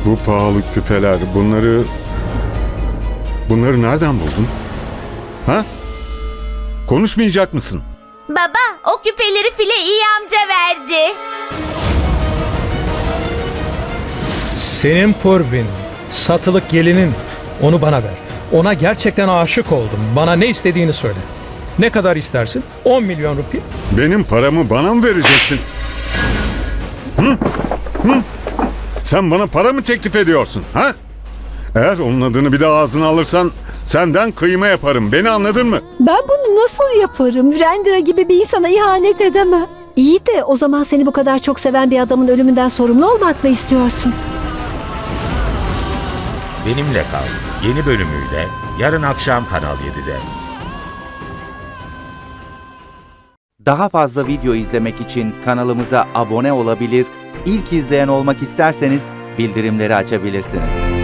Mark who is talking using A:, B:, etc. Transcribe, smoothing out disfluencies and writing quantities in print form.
A: Bu pahalı küpeler, bunları nereden buldun? Ha? Konuşmayacak mısın?
B: Baba, o küpeleri File iyi amca verdi.
C: Senin Purvin, satılık gelinin. Onu bana ver. Ona gerçekten aşık oldum. Bana ne istediğini söyle. Ne kadar istersin? 10 milyon rupi.
A: Benim paramı bana mı vereceksin? Hı? Hı? Sen bana para mı teklif ediyorsun? Ha? Eğer onun adını bir daha ağzına alırsan senden kıyma yaparım. Beni anladın mı?
D: Ben bunu nasıl yaparım? Virendra gibi bir insana ihanet edemem. İyi de o zaman seni bu kadar çok seven bir adamın ölümünden sorumlu olmak mı istiyorsun?
E: Benimle Kal yeni bölümüyle yarın akşam Kanal 7'de.
F: Daha fazla video izlemek için kanalımıza abone olabilir, ilk izleyen olmak isterseniz bildirimleri açabilirsiniz.